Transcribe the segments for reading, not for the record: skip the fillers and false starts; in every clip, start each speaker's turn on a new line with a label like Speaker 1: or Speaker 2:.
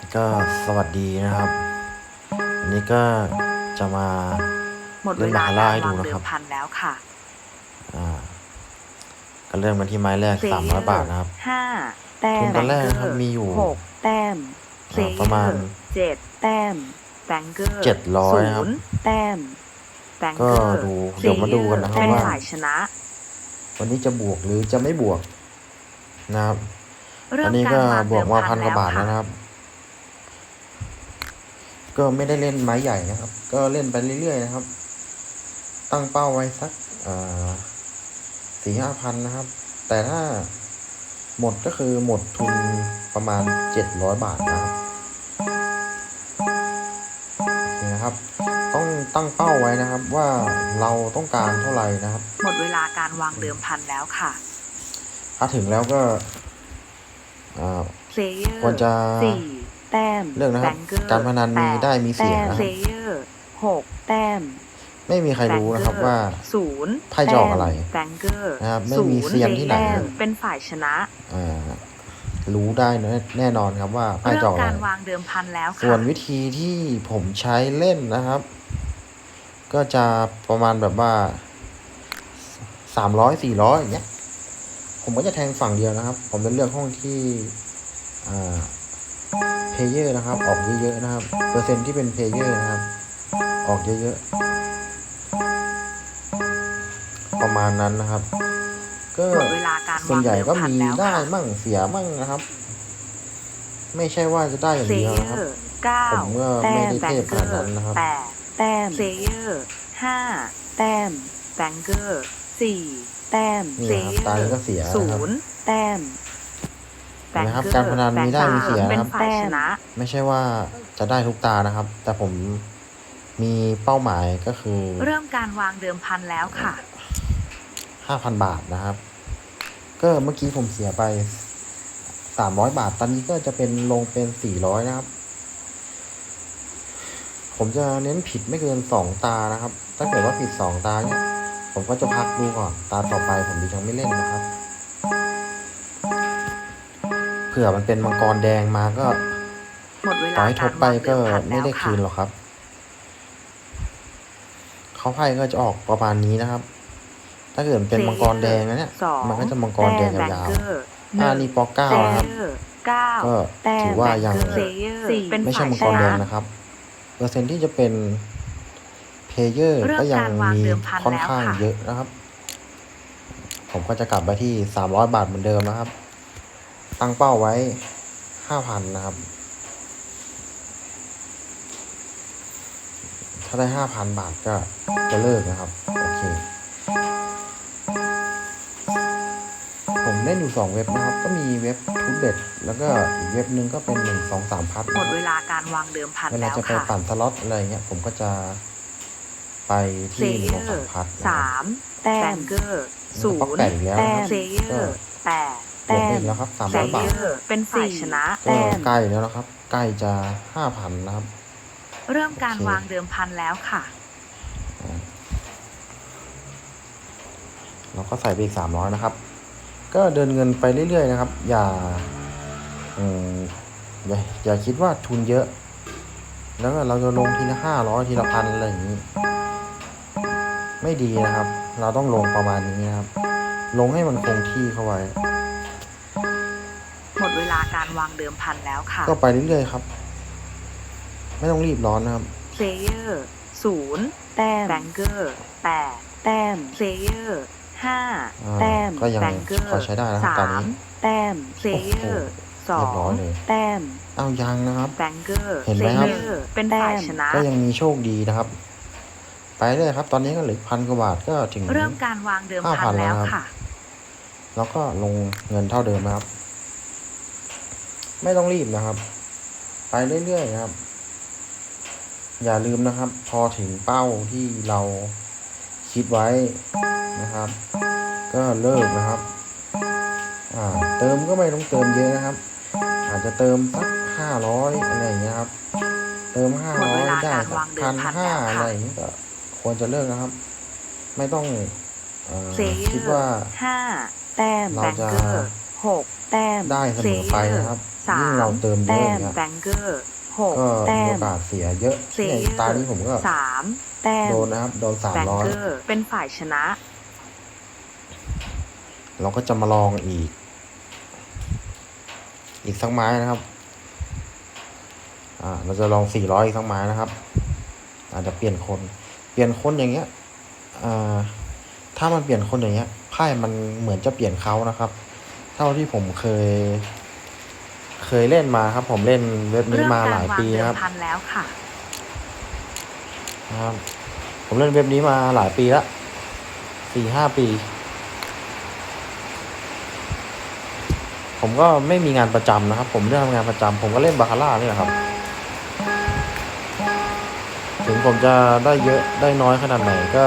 Speaker 1: ก็สวัสดีนะครับอันนี้ก็จะมา
Speaker 2: หมดเว
Speaker 1: เล่นบา
Speaker 2: ลา
Speaker 1: คาร่า
Speaker 2: การ
Speaker 1: ให้ดูนะครับ
Speaker 2: วางเดิมพันแล้วค่ะ
Speaker 1: อ่าก็เริ่มกันที่ไม้แรก
Speaker 2: เพลเยอ
Speaker 1: 300 บาท
Speaker 2: ร์
Speaker 1: นะครับ
Speaker 2: ห้าแต้
Speaker 1: ทุน
Speaker 2: มแบ
Speaker 1: ตอนแรกนะครับ
Speaker 2: งเกอร์
Speaker 1: มีอยู่
Speaker 2: หกแต้มเพลเย
Speaker 1: ประมาณ
Speaker 2: อร์เจ็ดแต้มแบงเกอร์
Speaker 1: 700
Speaker 2: ศู
Speaker 1: นะครับ
Speaker 2: นย์แต้มแบง
Speaker 1: ก็
Speaker 2: เกอร์
Speaker 1: ดู
Speaker 2: เพล
Speaker 1: เดี๋ยวมา
Speaker 2: เยอร์
Speaker 1: ดูกันนะครับ
Speaker 2: เป็น
Speaker 1: ว่า
Speaker 2: ฝ่ายชนะ
Speaker 1: วันนี้จะบวกหรือจะไม่บวกนะครับตอ
Speaker 2: เริ่
Speaker 1: นนี้ก็
Speaker 2: มการวาง
Speaker 1: บวกมา
Speaker 2: เดิมพัน
Speaker 1: 1,000 กว่าบาทแล้
Speaker 2: แล้วค่ะ
Speaker 1: วนะครับก็ไม่ได้เล่นไม้ใหญ่นะครับก็เล่นไปเรื่อยๆนะครับตั้งเป้าไว้สัก4-5 พันนะครับ แต่ถ้าหมดก็คือหมดทุนประมาณ700 บาทนะครับนี่นะครับต้องตั้งเป้าไว้นะครับว่าเราต้องการเท่าไหร่นะครับ
Speaker 2: หมดเวลาการวางเดิมพันแล้วค่ะ
Speaker 1: ถ้าถึงแล้วก็
Speaker 2: เพลเยอ
Speaker 1: ควร
Speaker 2: ร์
Speaker 1: จะ
Speaker 2: สี่แต้ม
Speaker 1: เลือกนะ
Speaker 2: แบ
Speaker 1: ครับ
Speaker 2: งเกอ
Speaker 1: การ
Speaker 2: ร์
Speaker 1: พนัน
Speaker 2: แป
Speaker 1: มี
Speaker 2: ด
Speaker 1: ได้มีเสี
Speaker 2: แต้
Speaker 1: ย
Speaker 2: มเพล
Speaker 1: นะครับ
Speaker 2: เยอร์หกแต้ม
Speaker 1: ไม่มีใคร
Speaker 2: แบง
Speaker 1: รู้
Speaker 2: เก
Speaker 1: นะครับ
Speaker 2: อร์
Speaker 1: ว่า
Speaker 2: ศูนย์
Speaker 1: ไพ่จะออกอะไร
Speaker 2: แบงเกอร์
Speaker 1: นะครับไม่
Speaker 2: ศู
Speaker 1: มี
Speaker 2: นย์
Speaker 1: เซียนที่ไหน
Speaker 2: แต้มเป็นฝ่ายชนะ
Speaker 1: รู้ได้แน่นอนครับว่าไพ่จะออกอะไร
Speaker 2: การวางเดิมพันแล้วค่ะ
Speaker 1: ส่วนวิธีที่ผมใช้เล่นนะครับก็จะประมาณแบบว่า300-400อย่างเงี้ยผมก็จะแทงฝั่งเดียวนะครับ ผมจะเลือกห้องที่เพลเยอร์นะครับออกเยอะๆนะครับเปอร์เซ็นต์ที่เป็นเพลเยอร์นะครับออกเยอะๆประมาณนั้นนะครับก็
Speaker 2: หมดเวลาการ
Speaker 1: ส่ว
Speaker 2: วานง
Speaker 1: ใหญ่ก็
Speaker 2: เดิมพัน
Speaker 1: มีได้
Speaker 2: แล้วค่ะ
Speaker 1: มั่งเสียมั่งนะครับไม่ใช่ว่าจะได้อย่าง
Speaker 2: เพล
Speaker 1: เดียว
Speaker 2: เย
Speaker 1: นะครับ
Speaker 2: อร์เก้า
Speaker 1: ผมก็
Speaker 2: แต้
Speaker 1: ไม่
Speaker 2: ม
Speaker 1: ได้เทพ
Speaker 2: แบงเกอ
Speaker 1: ขนาดนั้น
Speaker 2: ร์
Speaker 1: นะครับ
Speaker 2: แปดแต้มเพลเยอร์ห้าแต้มแบงเกอร์สี่แต้ม
Speaker 1: นี่
Speaker 2: เพล
Speaker 1: นะครับ
Speaker 2: เยอ
Speaker 1: ตานี้
Speaker 2: ร์
Speaker 1: ก็เสีย
Speaker 2: ศู
Speaker 1: นะครับ
Speaker 2: นย์แต้มแบง
Speaker 1: นะครับ
Speaker 2: เกอร์
Speaker 1: การพนันมีได้มีเสีย
Speaker 2: เป็
Speaker 1: นะครับ
Speaker 2: นฝ่ายชนะ
Speaker 1: ไม่ใช่ว่าจะได้ทุกตานะครับ แต่ผมมีเป้าหมายก็คือ
Speaker 2: เริ่มการวางเดิมพันแล้วค่ะ
Speaker 1: 5,000 บาทนะครับ ก็เมื่อกี้ผมเสียไป300 บาท ตอนนี้ก็จะเป็นลงเป็น400นะครับ ผมจะเน้นผิดไม่เกิน2ตานะครับ ถ้าเกิดว่าผิด2ตาเนี่ยผมก็จะพักดูก่อนตาต่อไปผมยังไม่เล่นนะครับเผื่อมันเป็นมังกรแดงมาก็
Speaker 2: หมดเว
Speaker 1: ต่อ
Speaker 2: ลา
Speaker 1: ให้ท
Speaker 2: การ
Speaker 1: บไปก็
Speaker 2: วางเดิมพัน
Speaker 1: ไม่
Speaker 2: แล้ว
Speaker 1: ได้คืนหร
Speaker 2: ค่ะ
Speaker 1: อกครับเขาไพ่ก็จะออกประมาณนี้นะครับ ถ้าเกิดเป็นมังกรแดงนะเนี่ยมันก็จะมังกรแดงยาวๆนี่ปอกเก้านะครับก็ถือว่ายังไม่ใช่มังกรแดงนะครับเปอร์เซ็นต์ที่จะเป็นเพลเยอร์ก็ยังมีค่อนข้างเยอะนะครับผมก็จะกลับไปที่300 บาทเหมือนเดิมนะครับตั้งเป้าไว้ 5,000 นะครับถ้าได้ 5,000 บาทก็จะเลิกนะครับโอเคผมเล่นอยู่2เว็บนะครับก็มีเว็บทูเบ็ดแล้วก็อีกเว็บนึงก็เป็น1 2 3 พัท
Speaker 2: หม
Speaker 1: นะ
Speaker 2: ดเว
Speaker 1: ครับ
Speaker 2: ลาการวางเดิมพัน
Speaker 1: เวลา
Speaker 2: แล้ว
Speaker 1: จะไป
Speaker 2: ค่ะ
Speaker 1: ปั่นสล็อตอะไรเงี้ยผมก็จะไป
Speaker 2: เพล
Speaker 1: ที่
Speaker 2: เยอร์
Speaker 1: 1 2 3 พัท
Speaker 2: สามแต้มเกอร์ศู
Speaker 1: ป๊อก
Speaker 2: นย์
Speaker 1: แปดอีกแล้ว
Speaker 2: แต้
Speaker 1: นะครับ
Speaker 2: มเพลเยอ
Speaker 1: ก็
Speaker 2: ร์แปด
Speaker 1: บวก
Speaker 2: แต้
Speaker 1: ไป
Speaker 2: ม
Speaker 1: อีกแล้วครับ
Speaker 2: เพล
Speaker 1: 300 บาท
Speaker 2: เยอร์เป็นฝ่ายชนะ
Speaker 1: ก็ใกล้แล้วนะครับใกล้จะ 5,000 นะครับ
Speaker 2: เริ่มการวางเดิมพันแล้วค่ะ
Speaker 1: เราก็ใส่ไปอีก300นะครับก็เดินเงินไปเรื่อยๆนะครับอย่าคิดว่าทุนเยอะแล้วก็เราจะลงทีละ500ทีละ1,000อะไรอย่างนี้ไม่ดีนะครับ เราต้องลงประมาณนี้นะครับลงให้มันคงที่เข้าไว้
Speaker 2: หมดเวลาการวางเดิมพันแล้วค่ะ
Speaker 1: ก็ไปเรื่อยๆครับไม่ต้องรีบร้อนนะครับ
Speaker 2: เพลเยอร์ศูนย์แต้มแบงเกอร์แปดแต้มเพลเยอร์ห้าแต้ม
Speaker 1: ก็ยัง
Speaker 2: แบงเกอร์
Speaker 1: พอใช้ได้นะครับตอนนี้
Speaker 2: แต้มเพลเยอร์สองแต้ม
Speaker 1: เอายังนะครับ
Speaker 2: แบงเกอร์
Speaker 1: เห็นไหมครับ
Speaker 2: เป็นฝ่ายชนะ
Speaker 1: ก็ยังมีโชคดีนะครับไปเลยครับตอนนี้ก็เหลือ1,000 กว่าบาทก็ถึง
Speaker 2: เริ่มการวางเดิมพันแล้วค่ะ
Speaker 1: แล้วก็ลงเงินเท่าเดิมนะครับไม่ต้องรีบนะครับ ไปเรื่อยๆนะครับอย่าลืมนะครับพอถึงเป้าที่เราคิดไว้นะครับก็เลิกนะครับเติมก็ไม่ต้องเติมเยอะนะครับอาจจะเติมสัก500อะไรอย่างเงี้ยครับเติม500ได้สัก1,500อะไรอย่างเงี้ยก็ควรจะเลิกนะครับไม่ต้องคิดว่า
Speaker 2: 5แต้ม
Speaker 1: เราจะ
Speaker 2: 6 แต้ม
Speaker 1: ได้เสมอไปนะครับ
Speaker 2: สา
Speaker 1: ยิ่ง
Speaker 2: ม
Speaker 1: เราเติมเย
Speaker 2: แต้
Speaker 1: อะอ
Speaker 2: ม
Speaker 1: ย่างเงี้ย
Speaker 2: แบงเกอร์หก
Speaker 1: ก็
Speaker 2: แต้
Speaker 1: มี
Speaker 2: ม
Speaker 1: โอกาสเสียเยอะ
Speaker 2: เพล
Speaker 1: เนี่ย
Speaker 2: เยอ
Speaker 1: ตา
Speaker 2: ร์
Speaker 1: นี้ผมก็
Speaker 2: สามแต้ม
Speaker 1: โดนนะครับ โดน
Speaker 2: แบงเกอ
Speaker 1: 300
Speaker 2: ร์เป็นฝ่ายชนะ
Speaker 1: เราก็จะมาลองอีกสักไม้นะครับ เราจะลอง400อีกสักไม้นะครับ อาจจะเปลี่ยนคนอย่างเงี้ยถ้ามันเปลี่ยนคนอย่างเงี้ยไพ่มันเหมือนจะเปลี่ยนเขานะครับ เท่าที่ผมเคยเล่นมาครับ ผมเล่นเว็บนี้
Speaker 2: เริ่ม
Speaker 1: มาห
Speaker 2: กา
Speaker 1: ลาร ยว
Speaker 2: าง
Speaker 1: ปี
Speaker 2: เดิ
Speaker 1: นะค
Speaker 2: ม
Speaker 1: รับ
Speaker 2: พันแล้วค่ะ
Speaker 1: นะครับ ผมเล่นเว็บนี้มาหลายปีละ4-5 ปี ผมก็ไม่มีงานประจำนะครับ ผมไม่ได้ทำงานประจำผมก็เล่นบาคาร่านี่แหละครับ ถึงผมจะได้เยอะได้น้อยขนาดไหนก็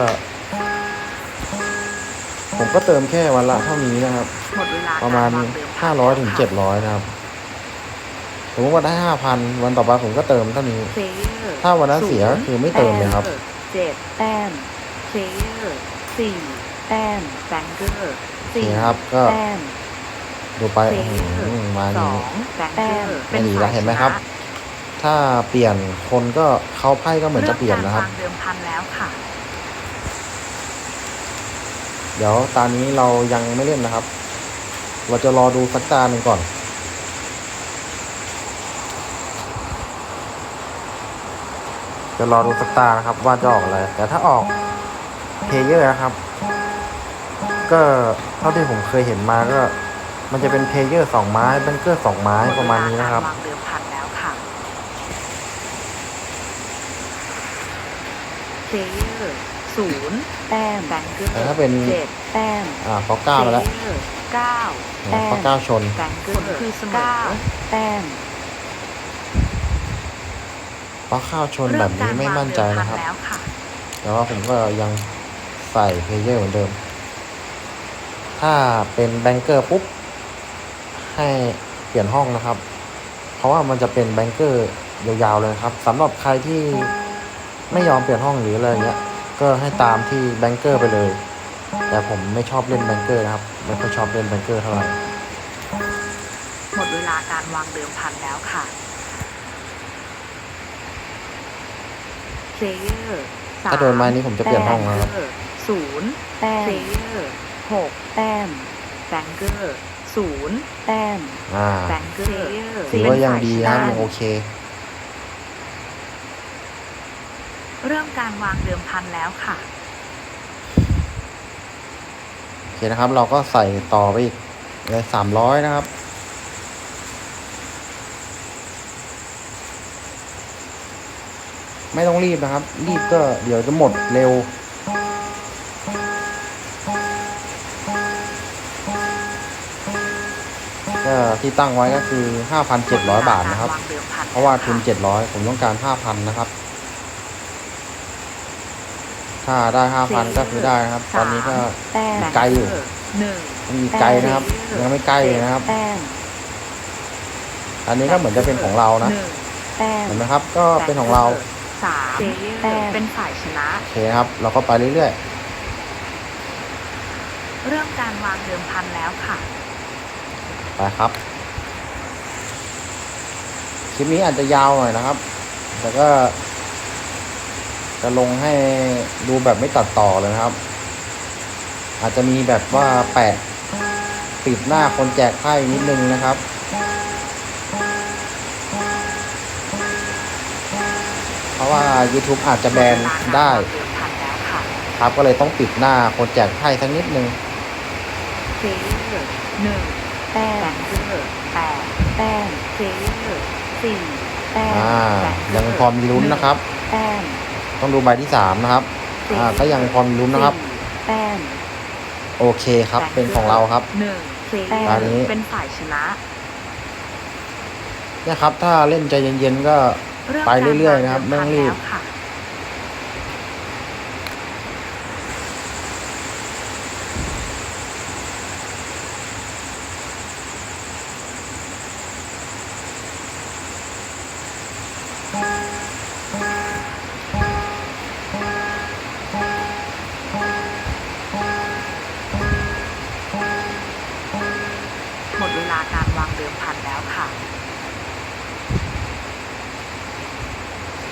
Speaker 1: ผมก็เติมแค่วันละเท่านี้นะครับ
Speaker 2: หมดเวลา
Speaker 1: ประมาณ
Speaker 2: กวงเดิมพัน
Speaker 1: 500 ถึง 700 นะครับ สมมติว่าได้ 5,000 วันต่อไปผมก็เติมเท่านี้
Speaker 2: เพลเยอร์
Speaker 1: ถ้าวันนั้นเสียก็คือไม่เติมเลยครับ
Speaker 2: เจ็ดแต้มเพลเยอร์สี่แต้มแบงเกอร์สี่
Speaker 1: นี่นะครับก็
Speaker 2: แต้ม
Speaker 1: ดูไป
Speaker 2: เพลเยอร์
Speaker 1: มา
Speaker 2: ส
Speaker 1: นี้
Speaker 2: องแบงเกอร์
Speaker 1: ไม่ดีแล้วเห็นไหมครับ ถ้าเปลี่ยนคนก็เขาไพ่ก็เหมือนจะเปลี่ยนนะครับ
Speaker 2: เริ่มกาวางเดิมพันแล้วค่ะ
Speaker 1: เดี๋ยวตอนนี้เรายังไม่เล่นนะครับ เราจะรอดูสักตาหนึ่งก่อน จะรอดูสักตานะครับ ว่าจะออกอะไร แต่ถ้าออกเพลเยอร์นะครับ ก็เท่าที่ผมเคยเห็นมาก็ มันจะเป็นเพลเยอร์2 ไม้แบงเกอร์2 ไม้ประมาณนี้นะครับ
Speaker 2: หมดเวลากาวางเดิมพันแล้วค่ะเพลเยอร์ศูนย์แต้มแบงเกอร์
Speaker 1: แต่ถ้าเป็น
Speaker 2: เจ็ดแต้ม
Speaker 1: พอ9มาแล้ว
Speaker 2: เพลเยอร์เก้าแต้ม
Speaker 1: พอ9ชน
Speaker 2: แบงเกอร์คือเสมอแต้ม
Speaker 1: เพราะข้าวชนแบบนี้ไม่มั่นใจนะครับ
Speaker 2: เมกาวางเดิมพันแล้วค่ะ
Speaker 1: แต่ว่าผมก็ยังใส่เพลเยอร์เหมือนเดิม ถ้าเป็นแบงเกอร์ปุ๊บให้เปลี่ยนห้องนะครับ เพราะว่ามันจะเป็นแบงเกอร์ยาวๆเลยครับสำหรับใครที่ไม่ยอมเปลี่ยนห้องหรืออะไรเงี้ย ก็ให้ตามที่แบงเกอร์ไปเลย แต่ผมไม่ชอบเล่นแบงเกอร์นะครับไม่ค่อยชอบเล่นแบงเกอร์เท่าไหร่
Speaker 2: หมดเวลาการวางเดิมพันแล้วค่ะเพลเยอร์
Speaker 1: ถ้าโดนไม้นี้ผมจะเปลี่ยนห้องนะครับ
Speaker 2: ศูนย์แต้มเพลเยอร์หกแต้มแบงเกอร์ศูนย์แต้มแบงเกอร์
Speaker 1: ถือว่ายังดีนะครับยังโอเค
Speaker 2: เริ่มการวางเดิมพันแล้วค่ะ
Speaker 1: โอเคนะครับ เราก็ใส่ต่อไปอีกเลย300นะครับ ไม่ต้องรีบนะครับ รีบก็เดี๋ยวจะหมดเร็ว ก็ที่ตั้งไว้ก็คือ 5,700 บาทนะครับ เพราะว่าทุน700ผมต้องการ 5,000 นะครับ ถ้าได้ 5,000 ก็คือได้นะครับ ตอนนี้ก็ไกลอยู่ มีไกลนะครับ ยังไม่ใกล้เลยนะครับ อันนี้ก็เหมือนจะเป็นของเรานะ เห็นไหมครับ ก็เป็นของเรา
Speaker 2: สามเป็นฝ่ายชนะ
Speaker 1: โอเคครับ เราก็ไปเรื่อย
Speaker 2: เริ่มการวางเดิมพันแล้วค่ะ
Speaker 1: ๆ ไปครับ คลิปนี้อาจจะยาวหน่อยนะครับ แต่ก็จะลงให้ดูแบบไม่ตัดต่อเลยนะครับ อาจจะมีแบบว่าแปะปิดหน้าคนแจกไพ่นิดนึงนะครับ เพราะว่า YouTube อาจจะแบนได้ ครับก็เลยต้องปิดหน้าคนแจกไพ่สักนิดนึง
Speaker 2: เพลเยอร์หนึ่งแต้มแบงเกอร์แปดแต้มเพลเยอร์สี่แต้ม
Speaker 1: ยังพอมีลุ้นนะครับ
Speaker 2: แต้ม
Speaker 1: ต้องดูใบที่3นะครับ ก็ยังพอมีลุ้นนะครับ
Speaker 2: แต้ม
Speaker 1: โอเคครับ เป็นของเราครับ
Speaker 2: หนึ่งเพลเยอ
Speaker 1: ตอนนี้
Speaker 2: ร์เป็นฝ่ายชนะ
Speaker 1: เนี่ยครับ ถ้าเล่นใจเย็นๆก็ไปเรื่อยๆนะครับ ไม่ต้องรีบ
Speaker 2: หมดเวลากา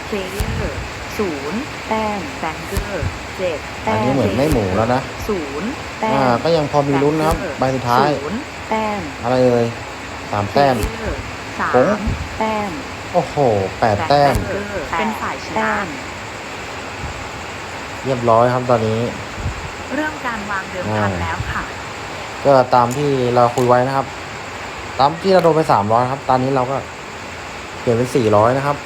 Speaker 2: เพลเยอร์0 แต้มแบงเกอร์7
Speaker 1: อันนี้เหมือนไม่หมูแล้วนะ
Speaker 2: 0 แต้ม
Speaker 1: ก็ยังพอมีลุ้นนะครับใบสุดท้าย
Speaker 2: 0 แต้ม
Speaker 1: อะไรเอ่ย3 แต้ม
Speaker 2: 3
Speaker 1: ผง
Speaker 2: แต้ม
Speaker 1: โอ้โห8 แต้ม
Speaker 2: เป็นฝ่ายชนะ
Speaker 1: เรียบร้อยครับตอนนี้
Speaker 2: เริ่มการวางเดิมพันแล้วค่ะ
Speaker 1: ก็ตามที่เราคุยไว้นะครับ ตามที่เราโดนไป300ครับ ตอนนี้เราก็เปลี่ยนเป็น400นะครับ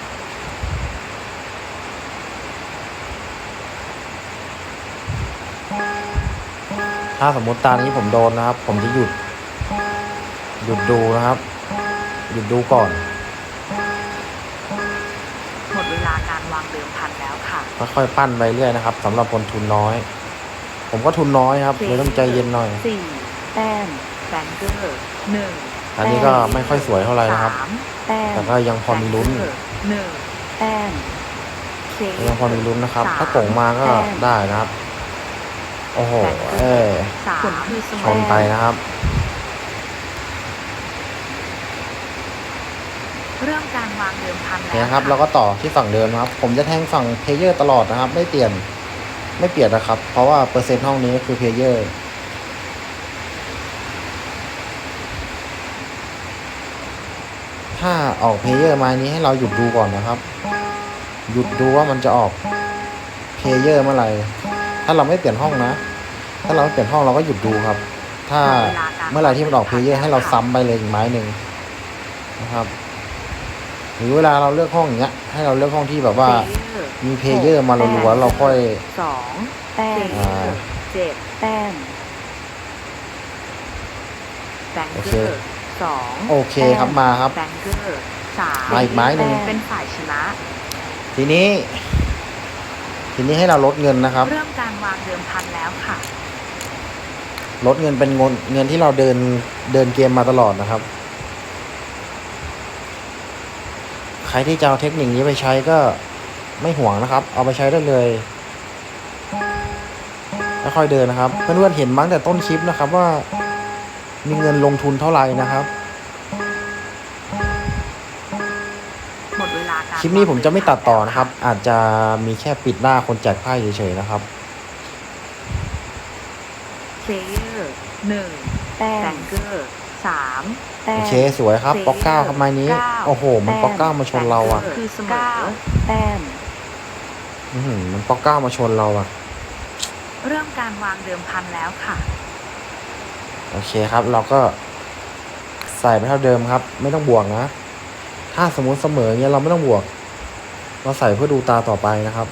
Speaker 1: ถ้าสมมติตอนนี้ผมโดนนะครับ ผมจะหยุดดูนะครับ หยุดดูก่อน
Speaker 2: หมดเวลาการวางเดิมพันแล้วค่ะ
Speaker 1: ค่อยๆปั้นไปเรื่อยนะครับสำหรับคนทุนน้อย ผมก็ทุนน้อยครับเลยต้องใจเย็นหน่อย
Speaker 2: 4 แต้มแบงเกอร์1
Speaker 1: อันนี้ก็ไม่ค่อยสวยเท่าไหร่นะครับ
Speaker 2: 3 แต้ม
Speaker 1: แต่ก็ยังพอมีลุ้น
Speaker 2: 1 แต้ม
Speaker 1: ยังพอมีลุ้นนะครับ ถ้าโก่งมาก็ได้นะครับ โอ้โห
Speaker 2: ผลคือ
Speaker 1: ชนไปนะครับ
Speaker 2: เริ่มการวางเดิมพันแล้ว
Speaker 1: เนี่ยครับเราก็ต่อที่ฝั่งเดิมนะครับ ผมจะแทงฝั่งเพลเยอร์ตลอดนะครับ ไม่เปลี่ยนนะครับ เพราะว่าเปอร์เซ็นต์ห้องนี้คือเพลเยอร์ถ้าออกเพลเยอร์มานี้ให้เราหยุดดูก่อนนะครับ หยุดดูว่ามันจะออกเพลเยอร์เมื่อไหร่ถ้าเราไม่เปลี่ยนห้องนะ ถ้าเราไม่เปลี่ยนห้องเราก็หยุดดูครับ ถ้าเมื่อไหร่ที่มันออกเพลเยอร์ให้เราซ้ำไปเลยอีกไม้หนึ่งนะครับ หรือเวลาเราเลือกห้องอย่างเงี้ยให้เราเลือกห้องที่แบบว่ามีเพลเยอร์มารัวๆเราค่อย
Speaker 2: 2 แต้ม7 แต้มแบงเกอร์2
Speaker 1: โอเคครับมาครับ
Speaker 2: แบงเกอร์3
Speaker 1: มาอีกไม้หนึ่ง
Speaker 2: เป็นฝ่ายชนะ
Speaker 1: ทีนี้ให้เราลดเงินนะครับ
Speaker 2: เริ่มการวางเดิมพันแล้วค่ะ
Speaker 1: ลดเงินเป็นเงินที่เราเดินเกมมาตลอดนะครับ ใครที่จะเอาเทคนิคนี้ไปใช้ก็ไม่ห่วงนะครับ เอาไปใช้ได้เลยแล้วค่อยเดินนะครับเพื่อนๆเห็นมั้งแต่ต้นคลิปนะครับว่ามีเงินลงทุนเท่าไหร่นะครับ
Speaker 2: หมดเวลาการ
Speaker 1: คลิปนี้ผมจะไม่ตัดต่อนะครับ อาจจะมีแค่ปิดหน้าคนแจกไพ่เฉยๆนะครับ
Speaker 2: เพลเยอร์1 แต้มแบงเกอร์3 แต้ม
Speaker 1: โอเคสวยครับป๊อกเก้าครับไม้นี้โอ้โหมันป๊อกเก้ามาชนเราอ่ะ
Speaker 2: คือเสมอ9 แต้ม
Speaker 1: มันป๊อกเก้ามาชนเราอ่ะ
Speaker 2: เริ่มการวางเดิมพันแล้วค่ะ
Speaker 1: โอเคครับเราก็ใส่ไปเท่าเดิมครับ ไม่ต้องบวกนะ ถ้าสมมุติเสมอเงี้ยเราไม่ต้องบวก เราใส่เพื่อดูตาต่อไปนะครับ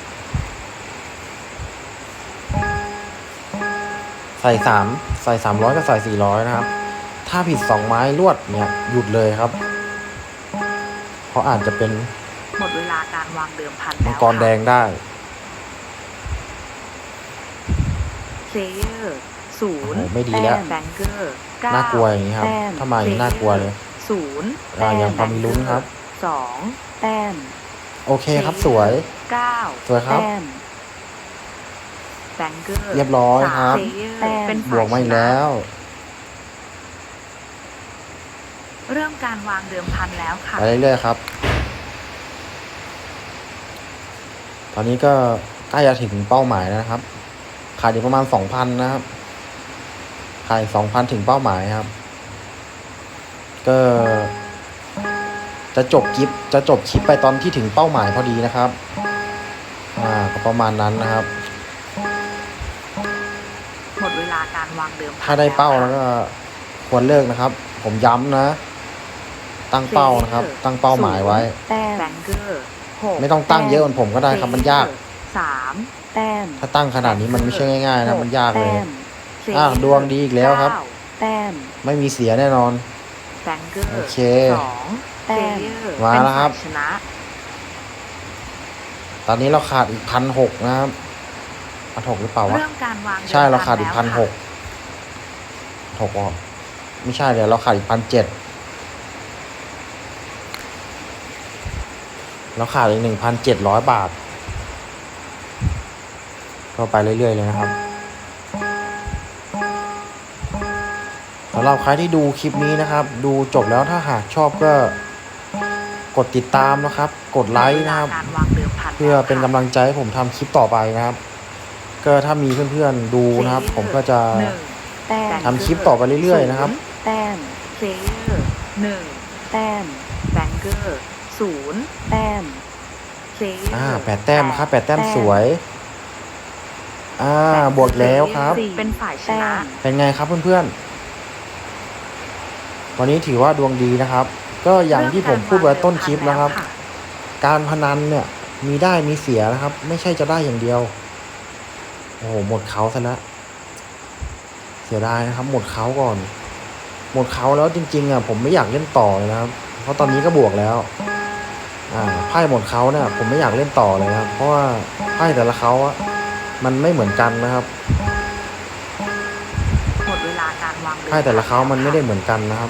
Speaker 1: ใส่300ก็ใส่400นะครับ ถ้าผิด2 ไม้รวดเนี่ยหยุดเลยครับ เพราะอาจจะเป็น
Speaker 2: หมดเวลาการวางเดิมพัน
Speaker 1: มั
Speaker 2: แล้
Speaker 1: ง
Speaker 2: ว
Speaker 1: กรแดงได้
Speaker 2: เพลเยอร์0
Speaker 1: โอ้โหไม่ดีแล้ว
Speaker 2: แบงเกอร์9
Speaker 1: น่ากลัวอย่างนี้ครับ ถ้ามาอย่างนี้น่ากลัวเลย
Speaker 2: 0
Speaker 1: ยังพอมีลุ้นครับ
Speaker 2: 2 แต้ม
Speaker 1: โอเคครับสวย
Speaker 2: 9
Speaker 1: สวยครับ
Speaker 2: แต้มแบงเกอร์
Speaker 1: เรียบร้อยครับ
Speaker 2: แต้มเป็น
Speaker 1: บวกมาอีกแล้ว
Speaker 2: เริ่มการวางเดิมพันแล้วค่ะ
Speaker 1: ไปเรื่อยๆครับ ตอนนี้ก็ใกล้จะถึงเป้าหมายแล้วนะครับ ขาดอีกประมาณ 2,000 นะครับ ขาดอีก 2,000 ถึงเป้าหมายครับ ก็จะจบคลิปไปตอนที่ถึงเป้าหมายพอดีนะครับก็ประมาณนั้นนะครับ
Speaker 2: หมดเวลาการวางเดิมพัน
Speaker 1: ถ้าได้เป้าแล้วก็ควรเลิกนะครับ ผมย้ำนะ ตั้งเป้านะครับ ตั้งเป้าหมายไว้
Speaker 2: แต้มแบงเกอร์6
Speaker 1: ไม่ต้องตั้งเยอะเหมือนผมก็ได้ครับมันยาก
Speaker 2: 3 แต้ม
Speaker 1: ถ้าตั้งขนาดนี้มันไม่ใช่ง่ายๆนะมันยากเลย
Speaker 2: แต้ม
Speaker 1: ดวงดีอีกแล้วครับ
Speaker 2: แต้ม
Speaker 1: ไม่มีเสียแน่นอน
Speaker 2: แบงเกอร์
Speaker 1: โอเค
Speaker 2: 2 แต้ม
Speaker 1: มาแล้วครับ
Speaker 2: เป็นฝ่ยชนะ
Speaker 1: ตอนนี้เราขาดอีก 1,600 นะครับ 1,600 หรือเปล่าวะ
Speaker 2: เริ่มการวาง
Speaker 1: ใช่เราขาดอีก
Speaker 2: แล้วค่ะ
Speaker 1: 1,600 6ไม่ใช่เดี๋ยวเราขาดอีก 1,700 เราขาดอีก 1,700 บาท ก็ไปเรื่อยๆเลยนะครับสำหรับใครที่ดูคลิปนี้นะครับ ดูจบแล้วถ้าหากชอบก็กดติดตามนะครับ กดไลค์นะครับ
Speaker 2: การวางเดิมพัน
Speaker 1: เพื่อเป็นกำลังใจให้ผมทำคลิปต่อไปนะครับ ก็ถ้ามีเพื่อนๆดูนะครับ ผมก็จะ
Speaker 2: หนึ่งแต้ม
Speaker 1: ทำคลิปต่อไปเรื่อยๆนะครับ
Speaker 2: แต้มเพลเยอร์1 แต้มแบงเกอร์0 แต้มเพลเยอร์
Speaker 1: 8 แต้มครับ8 แต้มสวย บวกแล้วครับ
Speaker 2: เป็นฝ่ายชนะ
Speaker 1: เป็นไงครับเพื่อนๆ วันนี้ถือว่าดวงดีนะครับ ก็อย่างที่ผมพูดไว้ต้นคลิปนะครับ การพนันเนี่ยมีได้มีเสียนะครับ ไม่ใช่จะได้อย่างเดียว โอ้โหหมดเขาซะแล้วเสียดายนะครับ หมดเขาก่อน หมดเขาแล้วจริงๆผมไม่อยากเล่นต่อเลยนะครับ เพราะตอนนี้ก็บวกแล้วไพ่หมดเขาเนี่ยผมไม่อยากเล่นต่อเลยนะครับ เพราะว่าไพ่แต่ละเขามันไม่เหมือนกันนะครับ
Speaker 2: หมดเวลาการวางเดิม
Speaker 1: ไพ่แต่ละเขามันไม่ได้เหมือนกันนะครับ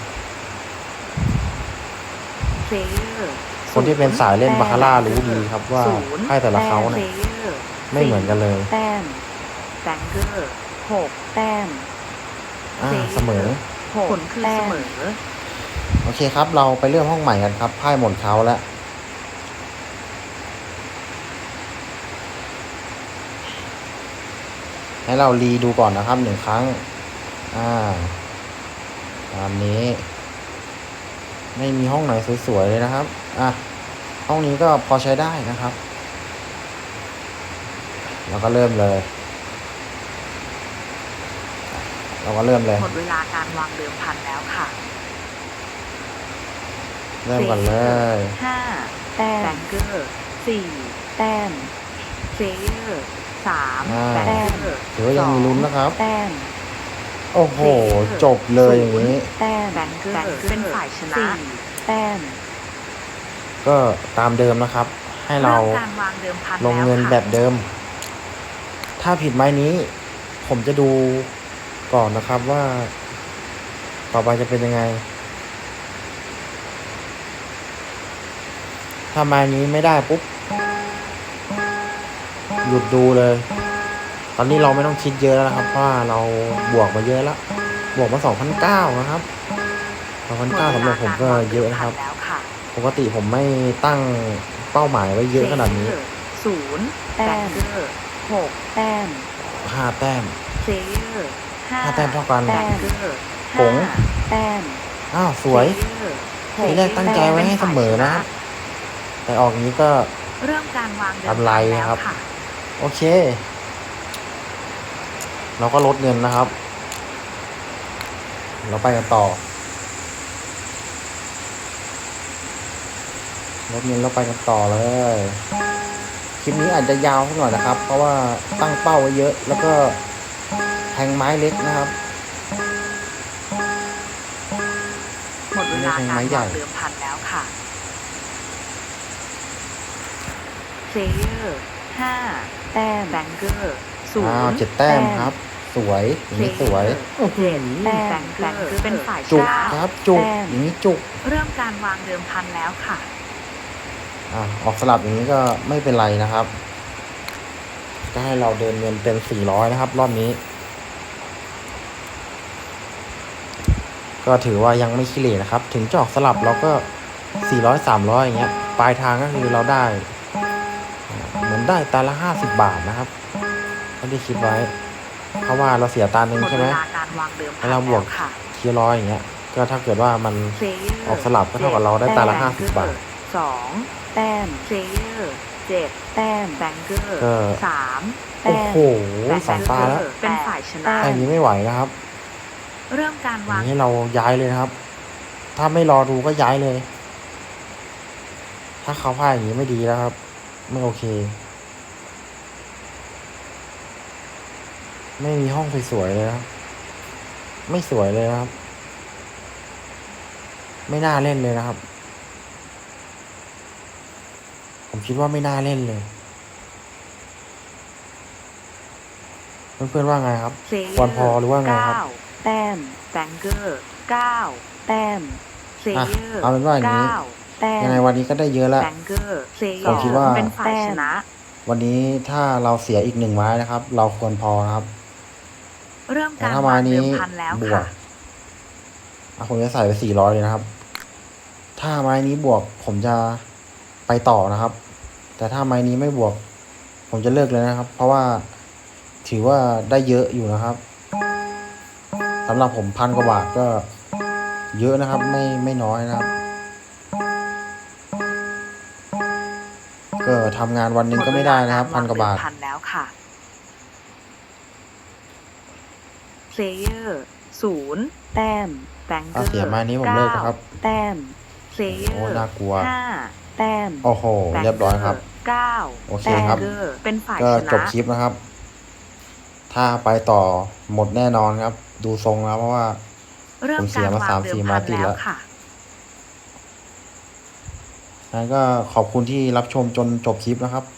Speaker 2: เพลเยอร์
Speaker 1: คนที่เป็นสายเล่นบาคาร่ารู้ดีครับว่าไพ่แต่ละเขาเนี่ยไม่เหมือนกันเลย
Speaker 2: แต้มแบงเกอร์6 แต้ม
Speaker 1: เสมอ
Speaker 2: ผลคือเสมอ
Speaker 1: โอเคครับ เราไปเริ่มห้องใหม่กันครับไพ่หมดเขาแล้วให้เรารีดูก่อนนะครับ1 ครั้งตามนี้ ไม่มีห้องไหนสวยๆเลยนะครับห้องนี้ก็พอใช้ได้นะครับเราก็เริ่มเลย
Speaker 2: หมดเวลาการวางเดิมพันแล้วค่ะ
Speaker 1: เริ่มก่อนเลย
Speaker 2: 5 แต้มแบงเกอร์4 แต้มเพลเยอร์3 แบงเกอร์
Speaker 1: ถือว่ายังมีลุ้นนะครับ
Speaker 2: แต้ม
Speaker 1: โอ้โหจบเลยอย่างนี้
Speaker 2: แต้มแบงเกอร์เป็นฝ่ายชนะ4 แต้ม
Speaker 1: ก็ตามเดิมนะครับ ให้เรา
Speaker 2: การวางเดิมพัน
Speaker 1: ลงเงินแบบเดิม ถ้าผิดไม้นี้ ผมจะดูก่อนนะครับว่า ต่อไปจะเป็นยังไง ถ้าไม้นี้ไม่ได้ปุ๊บหยุดดูเลย ตอนนี้เราไม่ต้องคิดเยอะแล้วนะครับเพราะว่าเราบวกมาเยอะแล้วบวกมา 2,900 นะครับ 2,900 สำหรับผมก็เยอะนะครับ ปกติผมไม่ตั้งเป้าหมายไว้เยอะขนาดนี้
Speaker 2: 0 แต้ม6 แต้ม
Speaker 1: 5 แต้ม
Speaker 2: เพลเยอร์5
Speaker 1: แต้มเท่ากัน
Speaker 2: แต้ม
Speaker 1: ผง
Speaker 2: แต้ม
Speaker 1: สวย ทีแรกตั้งใจไว้ให้เสมอนะครับ แต่ออกนี้ก็
Speaker 2: เริ่มการวางเดิม
Speaker 1: กำไรครับ โอเค เราก็ลดเงินนะครับ เราไปกันต่อลดเงินเราไปกันต่อเลย คลิปนี้อาจจะยาวสักหน่อยนะครับ เพราะว่าตั้งเป้าไว้เยอะ แล้วก็แทงไม้เล็กนะครับ
Speaker 2: หมดเวลาการวางเดิมพันแล้วค่ะเพลเยอร์5 แต้มแบงเกอร์0
Speaker 1: 7 แต้มครับ สวยอย่างนี้สวย
Speaker 2: 7 แต้มแบงเกอร์เป็นฝ่ายช
Speaker 1: จุก
Speaker 2: นะครับ
Speaker 1: จุกอย่างนี้จุก
Speaker 2: เริ่มการวางเดิมพันแล้วค่ะ
Speaker 1: ออกสลับอย่างนี้ก็ไม่เป็นไรนะครับ ก็ให้เราเดินเงินเป็น400นะครับ รอบนี้ ก็ถือว่ายังไม่ขี้เหร่นะครับ ถึงจะออกสลับเราก็400 300อย่างเงี้ย ปลายทางก็คือเราได้เหมือนได้ตาละ50 บาทนะครับไม่ได้คิดไว้ เพราะว่าเราเสียตาหนึ่งใช่ไหมแล้วเราบวกที100อย่างเงี้ย ก็ถ้าเกิดว่ามันออกสลับก็เท่ากับเราได้ตาละ50 บาท
Speaker 2: 2 แต้มเพลเยอร์7 แต้มแบงเกอร์3 แต้
Speaker 1: โอ้
Speaker 2: ม
Speaker 1: โห2 ตาแล้ว
Speaker 2: เป็นฝ่ายชนะ
Speaker 1: แต่อย่างนี้ไม่ไหวนะครับ
Speaker 2: เริ่มการวาง
Speaker 1: ให้เราย้ายเลยนะครับ ถ้าไม่รอดูก็ย้ายเลย ถ้าเขาพ่ายอย่างนี้ไม่ดีแล้วครับ ไม่โอเค ไม่มีห้องสวยๆเลยนะครับ ไม่สวยเลยนะครับ ไม่น่าเล่นเลยนะครับ ผมคิดว่าไม่น่าเล่นเลย เพื่อนๆว่าไงครับควรพอหรือว่าไงครับ
Speaker 2: 9 แต้มแบงเกอร์9 แต้มเพลเยอร์
Speaker 1: เอาเป็นว่าอย่างนี้
Speaker 2: แต้ม
Speaker 1: ยังไงวันนี้ก็ได้เยอะแล้ว
Speaker 2: แบงเกอร์เพลเยอ
Speaker 1: ผม
Speaker 2: ร์
Speaker 1: คิดว่า
Speaker 2: เป็นฝ่ายชนะ
Speaker 1: วันนี้ถ้าเราเสียอีก1 ไม้นะครับ เราควรพอนะครับ
Speaker 2: เริ่ม
Speaker 1: แต่
Speaker 2: การ
Speaker 1: ถ้าว
Speaker 2: า
Speaker 1: ไม้
Speaker 2: งเดิ
Speaker 1: นี้
Speaker 2: มพันแล้ว
Speaker 1: บว
Speaker 2: ค่ะ
Speaker 1: กผมจะใส่ไป400เลยนะครับถ้าไม้นี้บวกผมจะไปต่อนะครับ แต่ถ้าไม้นี้ไม่บวก ผมจะเลิกเลยนะครับ เพราะว่าถือว่าได้เยอะอยู่นะครับสำหรับผม1,000 กว่าบาทก็เยอะนะครับ ไม่น้อยนะครับ ก็ทำงานวันหนึ่งก็ไม่ได้นะครับ1,000 กว่าบาท
Speaker 2: พันแล้วค่ะ Player 0 แต้ม Banker
Speaker 1: ถ้าเสียไม้นี้ผมเลิกนะครับ
Speaker 2: แต้ม
Speaker 1: โอ้
Speaker 2: Player
Speaker 1: น่ากลัว
Speaker 2: 5 แต้ม
Speaker 1: โอ้โห เรียบร้อยครับ
Speaker 2: 9
Speaker 1: โอเคครับ
Speaker 2: Banker เป็นฝ่าย
Speaker 1: ก็
Speaker 2: ช
Speaker 1: จ
Speaker 2: นะ
Speaker 1: บคลิปนะครับ ถ้าไปต่อหมดแน่นอนครับ ดูทรงแล้วเพราะว่า
Speaker 2: เริ่
Speaker 1: ผม มเสี
Speaker 2: กาย ร
Speaker 1: มาว
Speaker 2: างเดิม
Speaker 1: 3-4
Speaker 2: พั
Speaker 1: ไม้
Speaker 2: น
Speaker 1: ติด
Speaker 2: แล้
Speaker 1: แล้ว ว
Speaker 2: ค่ะ
Speaker 1: งั้นก็ขอบคุณที่รับชมจนจบคลิปนะครับ